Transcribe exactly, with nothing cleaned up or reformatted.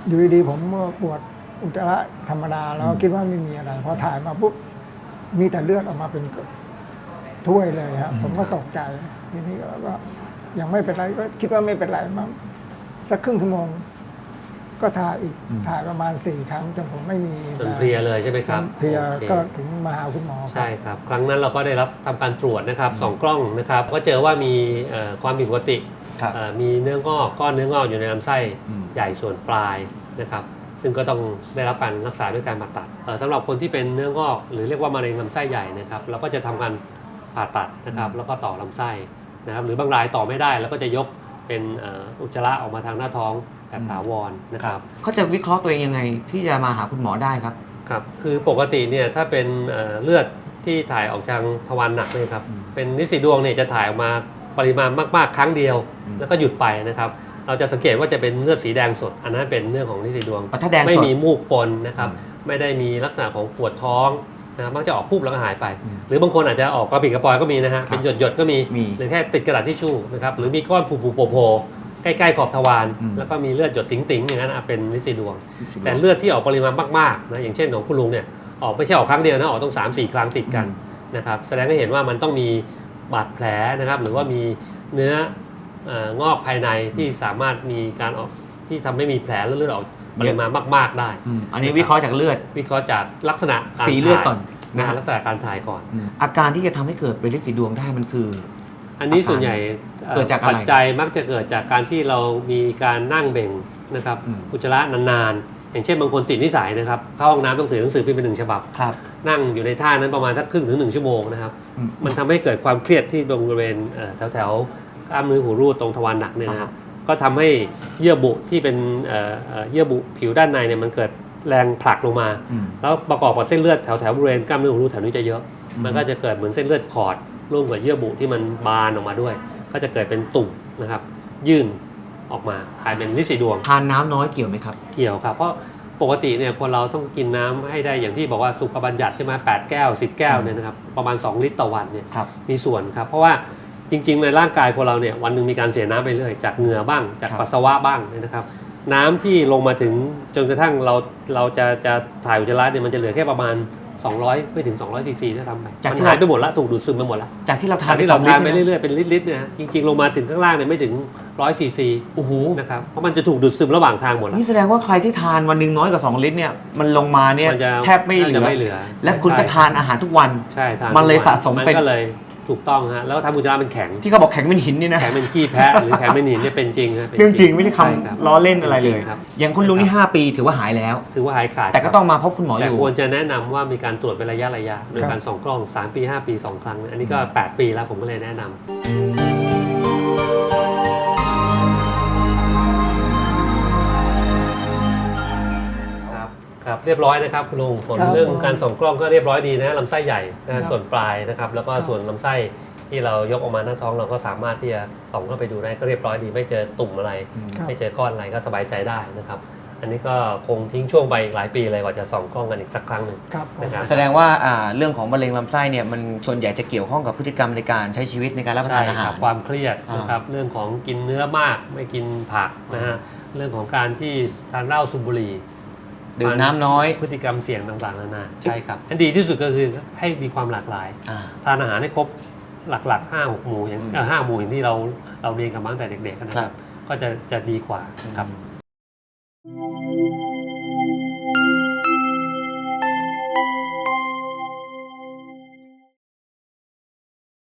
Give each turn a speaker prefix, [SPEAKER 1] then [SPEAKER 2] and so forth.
[SPEAKER 1] อยู่ดีๆผมปวดอุจจาระธรรมดาแล้วคิดว่าไม่มีอะไรพอถ่ายมาปุ๊บมีแต่เลือดออกมาเป็นถ้วยเลยครับผมก็ตกใจทีนี้ก็ยังไม่เป็นไรก็คิดว่าไม่เป็นไรมั้งสักครึ่งชั่วโมงก็ถ่ายอีกถ่ายประมาณสี่ครั้งจนผมไม่มี
[SPEAKER 2] จนเพลียเลยใช่ไหมครับ
[SPEAKER 1] เพลียก็ถึงมาหาคุณหมอ
[SPEAKER 2] ใช่ครับครั้งนั้นเราก็ได้รับทำการตรวจนะครับสองกล้องนะครับก็เจอว่ามีความผิดปกติมีเนื้องอกก้อนเนื้องอกอยู่ในลำไส้ใหญ่ส่วนปลายนะครับซึ่งก็ต้องได้รับการรักษาด้วยการผ่าตัดสำหรับคนที่เป็นเนื้องอกหรือเรียกว่ามะเร็งลำไส้ใหญ่นะครับเราก็จะทำการผ่าตัดนะครับแล้วก็ต่อลำไส้นะครับหรือบางรายต่อไม่ได้แล้วก็จะยกเป็นอุจจาระออกมาทางหน้าท้องแบบถาวรนะครับ
[SPEAKER 3] เขาจะวิเคราะห์ตัวเองยังไงที่จะมาหาคุณหมอได้ครับ
[SPEAKER 2] ครับคือปกติเนี่ยถ้าเป็นเลือดที่ถ่ายออกทางทวารหนักเลยครับเป็นลินสีดวงเนี่ยจะถ่ายออกมาปริมาณมากๆครั้งเดียวแล้วก็หยุดไปนะครับเราจะสังเกตว่าจะเป็นเลือดสีแดงสดอันนั้นเป็นเรื่องของลินสีดวงไม่มีมูกปนนะครับไม่ได้มีลักษณะของปวดท้องนะมักจะออกปุ๊บแล้วก็หายไปหรือบางคนอาจจะออกกระปิดกระปอยก็มีนะฮะเป็นหยดหยดก็มีหรือแค่ติดกระดาษทิชชู่นะครับหรือมีก้อนผูๆโผล่ใกล้ๆขอบทวารแล้วก็มีเลือดหยดติ๋งๆอย่างนั้นเป็นลินสีดวงแต่เลือดที่ออกปริมาณมากๆนะอย่างเช่นของคุณลุงเนี่ยออกไม่ใช่ออกครั้งเดียวนะออกต้อง สามสี่ ครั้งติดกันนะครับแสดงให้เห็นว่ามันต้องมีบาดแผลนะครับหรือว่ามีเนื้องอกภายในที่สามารถมีการออกที่ทำให้มีแผลเลือดออกปริมาณมากๆได้
[SPEAKER 3] อันนี้วิเคราะห์จากเลือด
[SPEAKER 2] วิเคราะห์จากลักษณะ
[SPEAKER 3] สีเลือดก่อน
[SPEAKER 2] นะลักษณะการถ่ายก่อน
[SPEAKER 3] อาการที่จะทำให้เกิดเป็นลินสีดวงได้มันคือ
[SPEAKER 2] อันนี้ส่วนใหญ่
[SPEAKER 3] เกิดจาก
[SPEAKER 2] ปัจจัยมักจะเกิดจากการที่เรามีการนั่งเบ่งนะครับอุจจาระนานๆอย่างเช่นบางคนติดนิสัยนะครับเข้าห้องน้ำต้องถือหนังสือพิมพ์เป็นหนึ่งฉบับนั่งอยู่ในท่านั้นประมาณสักครึ่งถึงหนึ่งชั่วโมงนะครับมันทำให้เกิดความเครียดที่ตรงบริเวณแถวแถวกล้ามเนื้อหูรูดตรงทวารหนักเนี่ยนะครับก็ทำให้เยื่อบุที่เป็นเยื่อบุผิวด้านในเนี่ยมันเกิดแรงผลักลงมาแล้วประกอบกับเส้นเลือดแถวแถวบริเวณกล้ามเนื้อหูรูดแถวนี้จะเยอะมันก็จะเกิดเหมือนเส้นเลือดขอดร่วมกับเยื่อบุที่มันบานออกมาด้วยก็จะเกิดเป็นตุ่มนะครับยื่นออกมากลายเป็นลินสีดวง
[SPEAKER 3] ทานน้ำน้อยเกี่ยวไหมครับ
[SPEAKER 2] เกี่ยวครับเพราะปกติเนี่ยคนเราต้องกินน้ำให้ได้อย่างที่บอกว่าสุขบัญญัติใช่ไหมแปดแก้วสิบแก้วเนี่ยนะครับประมาณสองลิตรต่อวันเนี่ยมีส่วนครับเพราะว่าจริงๆในร่างกายคนเราเนี่ยวันหนึ่งมีการเสียน้ำไปเรื่อยจากเหงื่อบ้างจากปัสสาวะบ้างนะครับน้ำที่ลงมาถึงจนกระทั่งเราเราจะจะถ่ายอุจจาระเนี่ยมันจะเหลือแค่ประมาณสองร้อยไม่ถึงสองร้อยซีซีด้วยซ้ำไปมันหายไปหมดแล้วถูกดูดซึมไปหมดแล้ว
[SPEAKER 3] จากที่เราทาน
[SPEAKER 2] ที่เราทานไปเรื่อยๆเป็นลิตรๆเนี่ยจริงๆลงมาถึงข้างล่างเนี่ยไม่ถึงร้อยซีซี
[SPEAKER 3] โอ้โห
[SPEAKER 2] นะครับเพราะมันจะถูกดูดซึมระหว่างทางหมดแล้ว
[SPEAKER 3] นี่แสดงว่าใครที่ทานวันนึงน้อยกว่าสองลิตรเนี่ยมันลงมาเนี่ยแทบไม่เหลือและคุณก็ทานอาหารทุกวัน
[SPEAKER 2] ใช่
[SPEAKER 3] มันเลยสะสมเป็น
[SPEAKER 2] ก็เลยถูกต้องฮะแล้วทำอุจจาระเป็นแข็ง
[SPEAKER 3] ที่เขาบอกแข็งเป็นหินนี่นะ
[SPEAKER 2] แข็งเป็นขี้แพะหรือแข็งเป็นหินเนี่ยเป็นจริงครับ
[SPEAKER 3] เรื่องจริงไม่ได้คำล้อเล่นอะไรเลยอย่างคุณลุงนี่ห้าปีถือว่าหายแล้ว
[SPEAKER 2] ถือว่าหายขาด
[SPEAKER 3] แต่ก็ต้องมาพบคุณหมออยู่
[SPEAKER 2] แต่ควรจะแนะนำว่ามีการตรวจเป็นระยะระยะโดยการส่องกล้องสามปีห้าปีสองครั้งอันนี้ก็แปดปีแล้วผมก็เลยแนะนำครับเรียบร้อยนะครับคุณลุงผลเรื่องการส่องกล้องก็เรียบร้อยดีนะลำไส้ใหญ่นะส่วนปลายนะครับแล้วก็ส่วนลำไส้ที่เรายกออกมาหน้าท้องเราก็สามารถที่จะส่องเข้าไปดูได้ก็เรียบร้อยดีไม่เจอตุ่มอะไรไม่เจอก้อนอะไรก็สบายใจได้นะครับอันนี้ก็คงทิ้งช่วงไปอีกหลายปีเลยกว่าจะส่องกล้องกันอีกสักครั้งหนึ่ง
[SPEAKER 3] นะครับแสดงว่าเรื่องของมะเร็งลำไส้เนี่ยมันส่วนใหญ่จะเกี่ยวข้องกับพฤติกรรมในการใช้ชีวิตในการรับประทานอาหาร
[SPEAKER 2] ความเครียดนะครับเรื่องของกินเนื้อมากไม่กินผักนะฮะเรื่องของการที่ทานเหล้าสูบบุหรี่
[SPEAKER 3] ดื่มน้ำน้อย
[SPEAKER 2] พฤติกรรมเสี่ยงต่างๆนานาใช่ครับอันดีที่สุดก็คือให้มีความหลากหลายทานอาหารให้ครบหลักๆห้าหกหมู่อย่างห้าหมู่อย่างที่เราเราเรียนกันมาตั้งแต่เด็กๆนะครับก็จะจะดีกว่าครับ